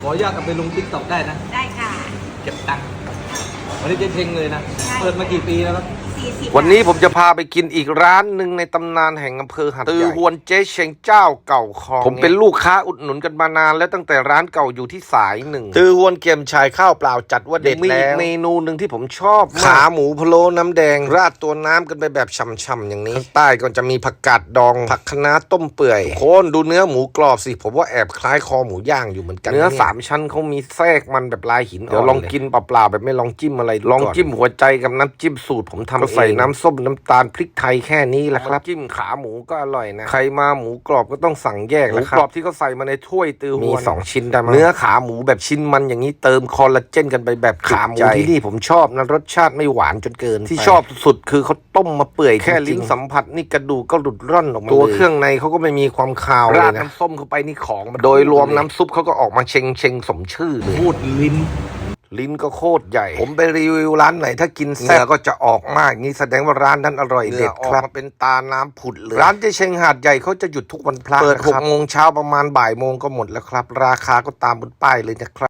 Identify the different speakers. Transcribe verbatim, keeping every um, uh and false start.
Speaker 1: ขออนุญาตเอาไปลงติ๊กต็อกได้นะ
Speaker 2: ได้ค่ะ
Speaker 1: เก็บตังค์วันนี้เจ๊เชงเลยนะเปิดมากี่ปีแล้วครับ
Speaker 3: วันนี้ผมจะพาไปกินอีกร้านหนึ่งในตำนานแห่งอำเภอหัดใหญ่ตือฮวนเจ๊เชงเจ้าเก่าคลองผมเป็นลูกค้าอุดหนุนกันมานานแล้วตั้งแต่ร้านเก่าอยู่ที่สายหนึ่งตือฮวนเกี๊ยมชายข้าวเปล่าจัดว่าเด็ดแล้วมีอีกเมนูหนึ่งที่ผมชอบขาหมูพะโล้น้ำแดงราดตัวน้ำกันไปแบบช่ำๆอย่างนี้ข้างใต้ก็จะมีผักกาดดองผักคะน้าต้มเปื่อยโคนดูเนื้อหมูกรอบสิผมว่าแอบคล้ายคอหมูย่างอยู่เหมือนกันเนื้อสามชั้นเขามีแทรกมันแบบลายหินเดี๋ยวลองกินเปล่าๆแบบไม่ลองจิ้มอะไรลองจิ้มหัวใจกับน้ำจิ้มสูตรผมทำใส่น้ำส้มน้ำตาลพริกไทยแค่นี้แหละครับจิ้มขาหมูก็อร่อยนะใครมาหมูกรอบก็ต้องสั่งแยกแล้วครับหมูกรอบที่เขาใส่มาในถ้วยตือฮวนมีสองชิ้นได้มั้ยเนื้อขาหมูแบบชิ้นมันอย่างนี้เติมคอลลาเจนกันไปแบบขาหมูที่นี่ผมชอบนะรสชาติไม่หวานจนเกินที่ชอบสุดคือเขาต้มมาเปื่อยแค่ลิ้นสัมผัสนี่กระดูกก็หลุดร่อนออกมาตัวเครื่องในเขาก็ไม่มีความคาวเลยนะราดน้ำส้มเข้าไปนี่ของโดยรวมน้ำซุปเขาก็ออกมาเชงเชงสมชื่อเลย
Speaker 1: พูดลิ้น
Speaker 3: ลิ้นก็โคตรใหญ่ผมไปรีวิวร้านไหนถ้ากินแซ่บก็จะออกมากนี่แสดงว่าร้านนั้นอร่อยเด็ดครับมาเป็นตาน้ำผุดเลยร้านเจเชงหาดใหญ่เขาจะหยุดทุกวันพระเปิดหกโมงเช้าประมาณบ่ายโมงก็หมดแล้วครับราคาก็ตามบนป้ายเลยนะครับ